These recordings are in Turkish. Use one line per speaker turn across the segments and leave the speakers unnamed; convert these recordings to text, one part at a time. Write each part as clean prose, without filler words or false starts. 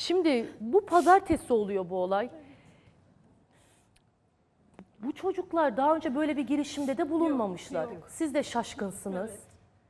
Şimdi bu pazartesi oluyor bu olay. Bu çocuklar daha önce böyle bir girişimde de bulunmamışlar.
Yok.
Siz de şaşkınsınız.
Evet.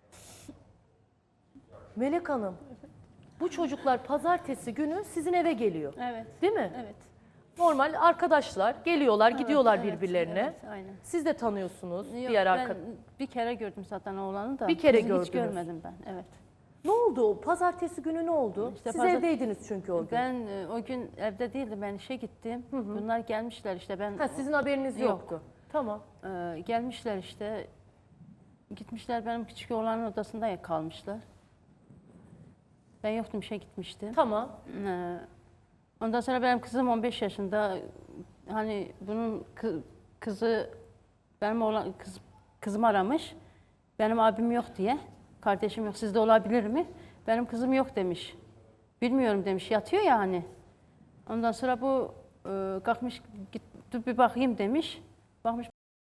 Melek Hanım, bu çocuklar pazartesi günü sizin eve geliyor.
Evet.
Değil mi?
Evet.
Normal arkadaşlar geliyorlar, gidiyorlar
evet,
birbirlerine.
Evet, aynen.
Siz de tanıyorsunuz
Yok,
diğer
ben
arkadaş.
bir kere gördüm zaten oğlanı da.
Bir kere
Kızı
gördünüz.
Hiç görmedim ben. Evet.
Ne oldu o? Pazartesi günü ne oldu?
İşte
Siz
pazar-
evdeydiniz çünkü o gün.
Ben o gün evde değildim. Ben işe gittim. Bunlar gelmişler işte. Ben
Ha, sizin haberiniz
Yok.
yoktu. Tamam.
gelmişler işte. Gitmişler benim küçük oğlanın odasında kalmışlar. Ben yoktum, işe gitmiştim.
Tamam.
Ondan sonra benim kızım 15 yaşında. Hani bunun kızı benim oğlan kızım aramış. Benim abim yok diye. Kardeşim yok. Sizde olabilir mi? Benim kızım yok demiş. Bilmiyorum demiş. Yatıyor ya hani. Ondan sonra bu kalkmış git dur bir bakayım demiş. Bakmış.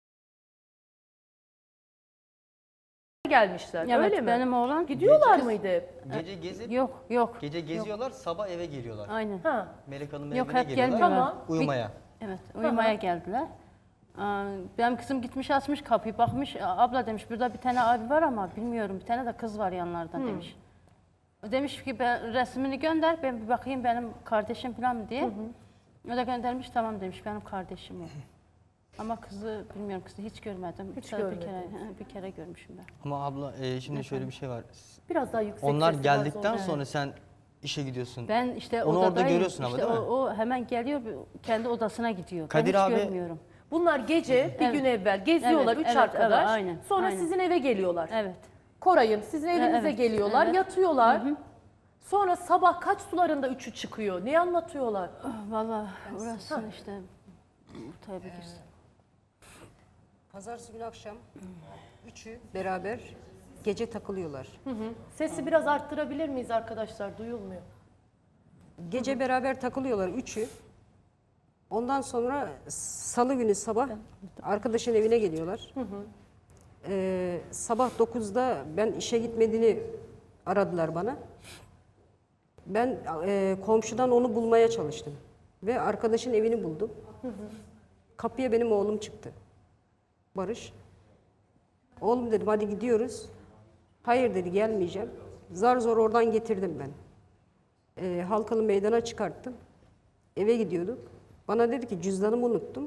Gelmişler.
Evet,
Öyle mi?
benim oğlan
Gidiyorlar
Gece-
mıydı hep?
Gece gezip,
yok.
gece geziyorlar, sabah eve geliyorlar.
Aynen.
Ha.
Melek Hanım'ın
Yok,
evine
hep
geliyorlar.
gelmiyorlar.
Tamam.
Uyumaya.
Evet, uyumaya geldiler. Benim kızım gitmiş açmış kapıyı, bakmış, abla demiş burada bir tane abi var ama bilmiyorum, bir tane de kız var yanlarında demiş. Demiş ki ben resmini gönder, ben bir bakayım benim kardeşim falan mı diye. O da göndermiş, tamam demiş benim kardeşim o. Ama kızı bilmiyorum, kızı hiç görmedim.
Hiç
Sadece
görmedin.
bir kere görmüşüm ben.
Ama abla şimdi şöyle bir şey var.
Biraz daha yüksek
Onlar
sesi
geldikten
var.
sonra sen işe gidiyorsun.
Ben işte
Onu orada
odadayım.
görüyorsun ama
İşte
değil mi?
o hemen geliyor, kendi odasına gidiyor.
Kadir
ben hiç
abi-
görmüyorum.
Bunlar gece bir
Evet.
gün evvel geziyorlar
Evet,
üç
evet,
arkadaş.
evet, aynen,
Sonra
aynen.
sizin eve geliyorlar.
Evet.
Koray'ın sizin evinize
Evet,
geliyorlar,
evet.
yatıyorlar. Sonra sabah kaç sularında üçü çıkıyor? Ne anlatıyorlar?
Valla orası işte ortaya bir girsin.
Pazartesi günü akşam üçü beraber gece takılıyorlar.
Sesi biraz arttırabilir miyiz arkadaşlar? Duyulmuyor.
Gece beraber takılıyorlar üçü. Ondan sonra salı günü sabah arkadaşın evine geliyorlar. Sabah 9'da ben işe gitmediğini aradılar bana. Ben komşudan onu bulmaya çalıştım. Ve arkadaşın evini buldum. Kapıya benim oğlum çıktı. Barış. Oğlum dedim hadi gidiyoruz. Hayır dedi gelmeyeceğim. Zar zor oradan getirdim ben. Halkalı meydana çıkarttım. Eve gidiyorduk. Bana dedi ki cüzdanımı unuttum.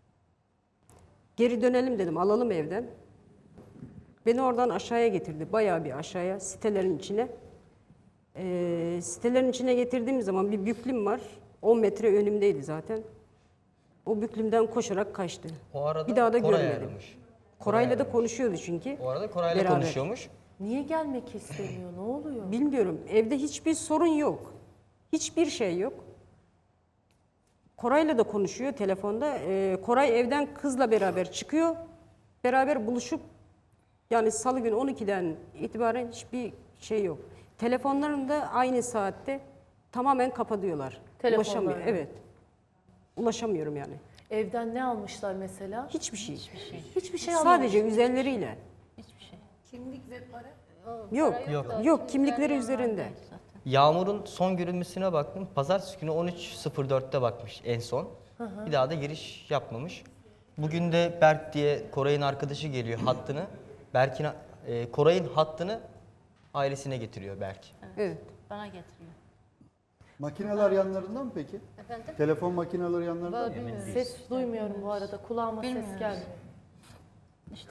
Geri dönelim dedim alalım evden. Beni oradan aşağıya getirdi. Bayağı bir aşağıya sitelerin içine. Sitelerin içine getirdiğim zaman bir büklüm var. 10 metre önümdeydi zaten. O büklümden koşarak kaçtı.
O arada
bir daha da
Koray
görmedim.
aramış.
Koray'la da konuşuyordu çünkü.
O arada Koray'la
Beraber.
konuşuyormuş.
Niye gelmek istemiyor? Ne oluyor?
Bilmiyorum. Evde hiçbir sorun yok. Hiçbir şey yok. Koray'la da konuşuyor telefonda. Koray evden kızla beraber çıkıyor. Beraber buluşup yani salı günü 12'den itibaren hiçbir şey yok. Telefonlarını da aynı saatte tamamen kapatıyorlar.
Telefonlarını.
Ulaşamıyor. Evet. Ulaşamıyorum yani.
Evden ne almışlar mesela?
Hiçbir şey.
Hiçbir şey almamış.
Sadece üzerleriyle.
Hiçbir şey.
Kimlik ve para.
Yok.
Yok.
Yok kimlikleri üzerinde.
Yağmur'un son görülmesine baktım. Pazartesi günü 13.04'te bakmış en son. Bir daha da giriş yapmamış. Bugün de Berk diye Koray'ın arkadaşı geliyor hattını. Koray'ın hattını ailesine getiriyor Berk.
Evet.
Bana getiriyor.
Makineler yanlarında mı peki?
Efendim?
Telefon makineleri yanlarında mı?
Ses duymuyorum bu arada. Kulağıma ses
Bilmiyoruz.
gelmiyor.
İşte.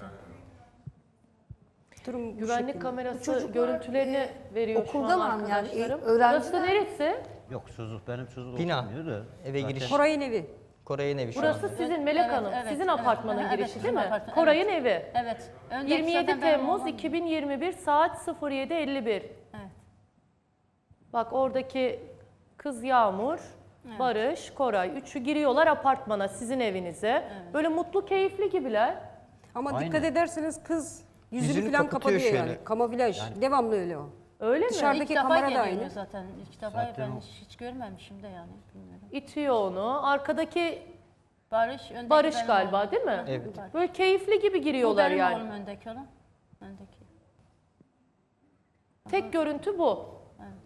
Durum bu
Güvenlik
şekilde.
kamerası görüntülerini veriyor şu
okulda
an
mı yani?
arkadaşlarım.
Öğrenciler-
Burası neresi?
Yok çocuk benim çocuk
Bina.
okumuyor da.
Eve
Zaten
giriş.
Koray'ın evi.
Koray'ın evi şu
Burası
anda.
sizin Melek
Evet,
Hanım.
evet,
Sizin
evet.
apartmanın
Evet,
girişi
bizim
değil mi?
apartman,
Koray'ın
evet.
evi.
Evet. Öndeki
27
zaten benim
Temmuz
oğlum.
2021 saat 07.51.
Evet.
Bak oradaki kız Yağmur, Barış, Koray. Üçü giriyorlar apartmana sizin evinize. Böyle mutlu keyifli gibiler.
Ama
Aynen.
dikkat ederseniz kız yüzünü,
Yüzünü
falan
kapatıyor
kapatıyor
şöyle.
yani. Kamuflaj. Devamlı öyle o.
Öyle mi?
Dışarıdaki
İlk defa
kamera da
geliyor
aynı.
zaten. İlk defa
Zaten
ben
o.
hiç görmemişim de yani. Bilmiyorum.
İtiyor onu. Arkadaki
Barış, öndeki
Barış
benim
galiba
oğlum.
değil mi?
Evet.
Barış.
Böyle keyifli gibi
Bu
giriyorlar
benim
yani.
oğlum öndeki olan. Öndeki.
Tek görüntü bu.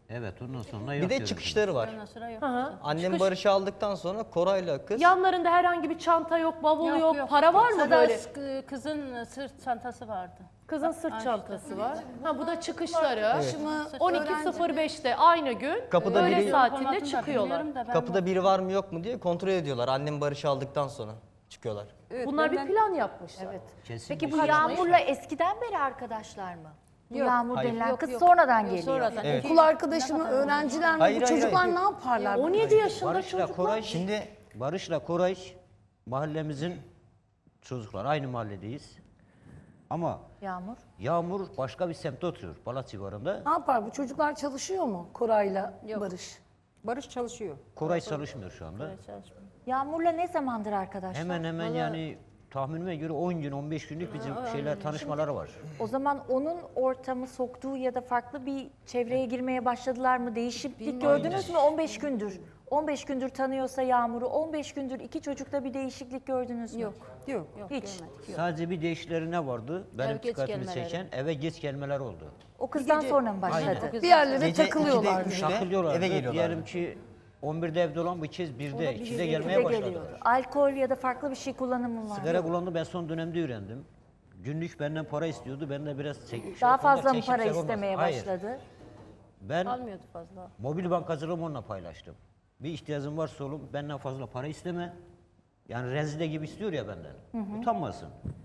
Evet, ondan sonra yok
Bir de
diyorum
çıkışları var.
Ondan sonra yok.
Annem Barış'ı aldıktan sonra Koray'la kız
Yanlarında herhangi bir çanta yok, bavul yok, para var mı
Sadece
böyle?
Kızın sırt çantası vardı.
Kızın sırt çantası var. Ha bu da çıkışları.
Arkadaşımı
12.05'te aynı gün
Kapıda
öğle
biri-
saatinde
Formatını da
çıkıyorlar.
bilmiyorum da ben
kapıda biri var mı yok mu diye kontrol ediyorlar. Annem Barış'ı aldıktan sonra çıkıyorlar.
Evet,
Bunlar bir
ben-
plan yapmışlar.
Kesin
Peki
bir
bu
şey.
Yağmur'la eskiden beri arkadaşlar mı? Bu Yağmur
Hayır.
denilen kız sonradan geliyor.
Sonradan.
Evet.
okul arkadaşımı, öğrenciler mi?
Hayır,
Bu
hayır,
çocuklar
hayır.
ne yaparlar?
17 yaşında
Barış'la
çocuklar.
Koray, şimdi Barış'la Koray mahallemizin çocuklar. Aynı mahalledeyiz. Ama
Yağmur.
Yağmur başka bir semtte oturuyor, Balat civarında.
Ne yapar? Bu çocuklar çalışıyor mu Koray'la Barış?
Barış çalışıyor.
Koray çalışmıyor şu anda.
Yağmur'la ne zamandır arkadaşlar?
Hemen hemen yani tahminime göre 10 gün, 15 günlük bizim şeyler, tanışmaları var.
O zaman onun ortamı soktuğu ya da farklı bir çevreye girmeye başladılar mı? Değişiklik gördünüz mü 15 gündür? 15 gündür tanıyorsa Yağmur'u, 15 gündür iki çocukta bir değişiklik gördünüz mü?
Yok.
Hiç.
Sadece bir değişikleri ne vardı? Benim
geç
dikkatimi
gelmeleri.
çeken eve geç gelmeler oldu.
O kızdan sonra mı başladı?
Bir yerlere
Gece
takılıyorlar.
2'de, 3'te
Takılıyorlardı.
eve geliyorlar.
Diyelim ki 11'de evde olan bu kez 1'de, 2'de
Bir
gelmeye
de
başladılar.
geliyordu. Alkol ya da farklı bir şey kullanımı var.
Sigara kullandı, ben son dönemde öğrendim. Günlük benden para istiyordu, ben de biraz
Daha fazla mı
çekip
para
şey olmaz.
istemeye
Hayır,
başladı?
ben
Almıyordu fazla.
mobil bankacılığımı onunla paylaştım. Bir ihtiyacın varsa oğlum benden fazla para isteme. Yani rezide gibi istiyor ya benden. Utanmasın.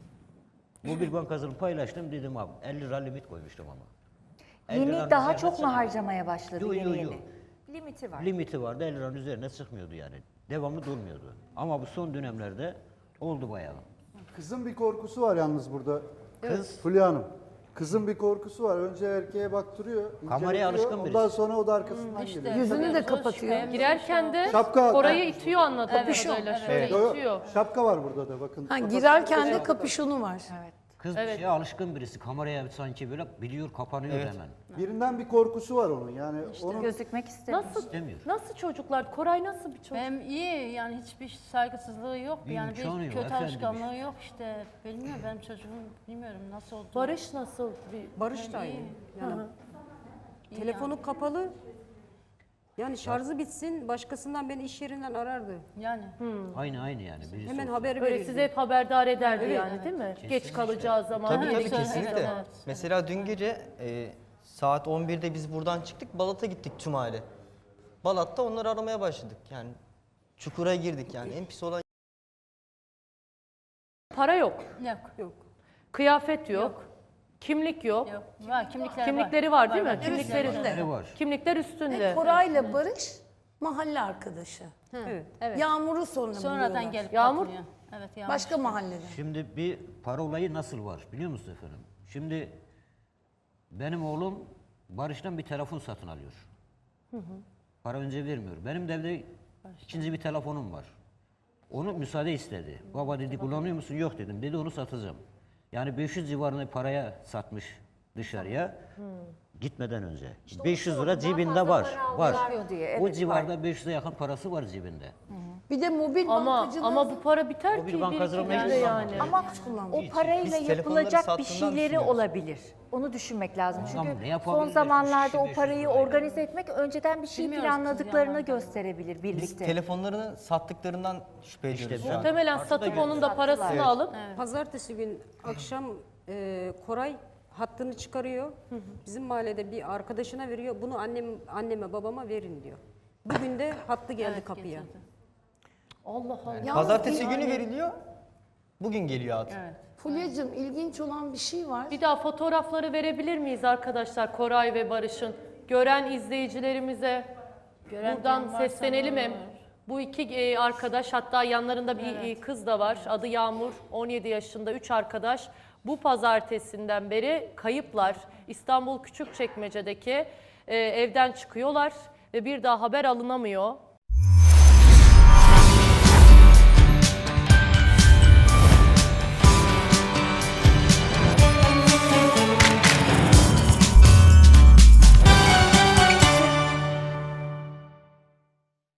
Mobil bankacılığımı paylaştım, dedim abi 50 lira limit koymuştum ama. 50 liranın
Yeni daha
üzerine
çok mu
çıkmıyor.
harcamaya başladı
Yo,
yeni
yo,
yeni?
yo.
Limiti var.
Limiti vardı, 50 liranın üzerine çıkmıyordu yani. Devamlı durmuyordu. Ama bu son dönemlerde oldu bayağı.
Kızın bir korkusu var yalnız burada.
Kız
Fulya Hanım. Kızın bir korkusu var. Önce erkeğe baktırıyor.
Kameraya
inceletiyor,
alışkın birisi.
Ondan sonra o da arkasından geliyor.
Yüzünü de kapatıyor.
Girerken de
Şapka-
Koray'ı itiyor anladığım kadarıyla. Şöyle
Yo, yo,
itiyor.
şapka var burada da bakın.
Ha, girerken de kapüşonu var.
kız bir şeye alışkın birisi. Kameraya sanki böyle biliyor, kapanıyor hemen.
Birinden bir korkusu var onun. Yani onun
Gözükmek istemiyor.
Nasıl
İstemiyor.
nasıl çocuklar? Koray nasıl bir çocuk?
Hem iyi yani hiçbir saygısızlığı yok. Yani
İmkanı
bir
yok,
kötü
efendim
alışkanlığı yok işte. Bilmiyorum benim çocuğum bilmiyorum nasıl oldu.
Barış nasıl bir...
Barış da aynı. Yani telefonu kapalı. Yani şarjı bitsin, başkasından beni iş yerinden arardı.
Yani.
Aynı yani. Birisi
Hemen
olsun.
haber
Böyle
verirdi.
sizi hep haberdar ederdi yani değil mi? Geç kalacağı zaman.
Tabii
Ha,
tabii
evet,
kesinlikle.
evet.
Mesela dün gece saat 11'de biz buradan çıktık, Balat'a gittik tüm aile. Balat'ta onları aramaya başladık yani. Çukura girdik yani. En pis olan
Para yok,
Yok.
kıyafet yok, kimlik yok.
Yok. Var kimlikler
Kimlikleri var değil mi? Kimlikleri
Kimlikleri var.
Kimlikler üstünde.
Koray'la Barış mahalle arkadaşı.
Evet.
Yağmur'u sonra
Sonradan
buluyorlar.
gelip
Yağmur-
katılıyor. Evet Yağmur.
Başka mahallede.
Şimdi bir para olayı nasıl var biliyor musun efendim? Şimdi benim oğlum Barış'tan bir telefon satın alıyor. Para önce vermiyor. Benim de evde ikinci bir telefonum var. Onu müsaade istedi. Baba dedi kullanıyor musun? Yok dedim. Dedi onu satacağım. Yani 500 civarında paraya satmış dışarıya. Gitmeden önce. 500 lira cebinde var. Var.
diye,
O
evet,
civarda 500'e yakın parası var cebinde.
Bir de mobil bankacılığı.
Ama bu para biter
Mobil
ki bir
bankacılığı
iki günde
meclis
yani.
Ama o parayla
Biz telefonları
yapılacak bir
sattığından
şeyleri
düşünüyoruz.
olabilir. Onu düşünmek lazım.
Tamam,
Çünkü
ne yapabilir?
son zamanlarda
300
o parayı
lirayla.
organize etmek önceden bir şey
Bilmiyoruz kız
planladıklarını
yalan.
gösterebilir
biz
birlikte.
telefonlarını sattıklarından şüphe ediyoruz şu an.
Muhtemelen satıp onun da parasını alıp
Pazartesi gün akşam Koray hattını çıkarıyor. Bizim mahallede bir arkadaşına veriyor. Bunu anneme babama verin diyor. Bugün de hattı geldi kapıya.
Allah Allah.
Yalnız
Pazartesi günü veriliyor. Bugün geliyor at.
Fulya'cığım ilginç olan bir şey var.
Bir daha fotoğrafları verebilir miyiz arkadaşlar Koray ve Barış'ın? Gören izleyicilerimize buradan seslenelim hem. Bu iki arkadaş, hatta yanlarında bir kız da var. Adı Yağmur, 17 yaşında, 3 arkadaş. Bu pazartesinden beri kayıplar. İstanbul Küçükçekmece'deki evden çıkıyorlar ve bir daha haber alınamıyor.